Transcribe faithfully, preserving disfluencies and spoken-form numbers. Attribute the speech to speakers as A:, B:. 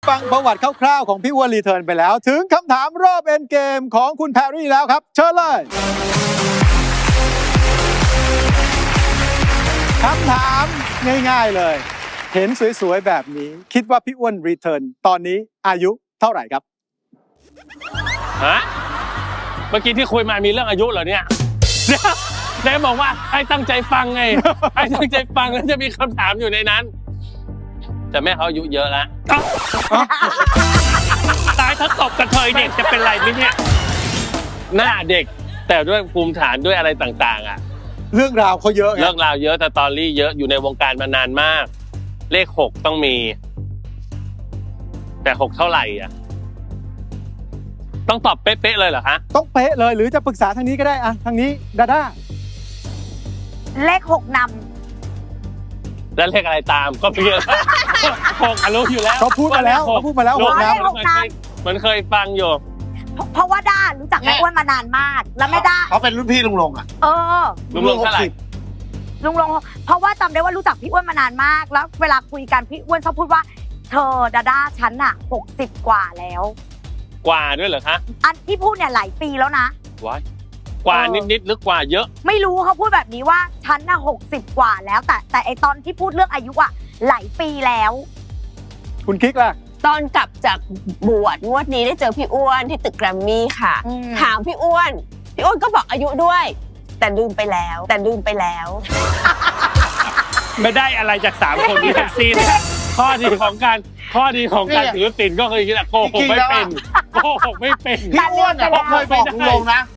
A: ฟังประวัติคร่าวๆของพี่อ้วนรีเทิร์นไปแล้วถึงคำถามรอบเอ็นเกมของคุณแพรรี่แล้วครับเชิญเลยคำถามง่ายๆเลยเห็นสวยๆแบบนี้คิดว่าพี่อ้วนรีเทิร์นตอนนี้อายุเท่าไหร่ครับ
B: ฮะเมื่อกี้ที่คุยมามีเรื่องอายุเหรอเนี่ยนายบอกว่าให้ตั้งใจฟังไงให้ตั้งใจฟังแล้วจะมีคำถามอยู่ในนั้นแต่แม่เขาอายุเยอะแล้วตายถ้าตบกระเทยเด็กจะเป็นไรไหมเนี่ยหน้าเด็กแต่ด้วยภูมิฐานด้วยอะไรต่างๆอ่ะ
A: เรื่องราวเขาเยอะ
B: เรื่องราวเยอะแต่ตอรี่เยอะอยู่ในวงการมานานมากเลขหกต้องมีแต่หกเท่าไหร่อ่ะต้องตอบเป๊ะๆเลยเหรอฮะ
A: ต้องเป๊ะเลยหรือจะปรึกษาทางนี้ก็ได้อะทางนี้ดาด้า
C: เลขหกน
B: ำแล้วเลขอะไรตามก็เยอะหกรู้อยู่แล้ว
A: เขาพูดมาแล้วเขาพูดมาแล้วหกน
B: ำมันเคยฟังอยู่
C: เพราะว่าด้ารู้จักแม่อ้วนมานานมากแล้วแม่ด้า
D: เขาเป็นรุ่นพี่ลุงลงอ่ะ
C: เออ
B: ลุงลงเท่าไหร่
C: ลุงลงเพราะว่าจำได้ว่ารู้จักพี่อ้วนมานานมากแล้วเวลาคุยกันพี่อ้วนชอบพูดว่าเธอดาด้าฉันอะหกสิบกว่าแล้ว
B: กว่าด้วยเหรอคะ
C: อันที่พูดเนี่ยหลายปีแล้วนะ
B: ว้ายกว่านิดๆหรือกว่าเยอะ
C: ไม่รู้เขาพูดแบบนี้ว่าฉันน่ะหกสิบกว่าแล้วแต่แต่ไอตอนที่พูดเรื่องอายุอะหลายปีแล้ว
A: คุณกิ๊กล่ะ
E: ตอนกลับจากบวชงวดนี้ได้เจอพี่อ้วนที่ตึกแกรมมี่ค่ะถามพี่อ้วนพี่อ้วนก็บอกอายุด้วยแต่ลืมไปแล้วแต่ลืมไปแล้ว
B: ไม่ได้อะไรจากสามคนนี้ทั้งสิ้นข้อดีของการข้อดีของการถือศีลก็คือโกหกไม่เป็นโกหกไม่เป็น
D: พี่อ้วนเนี่ยเคยบอกลุงลงนะ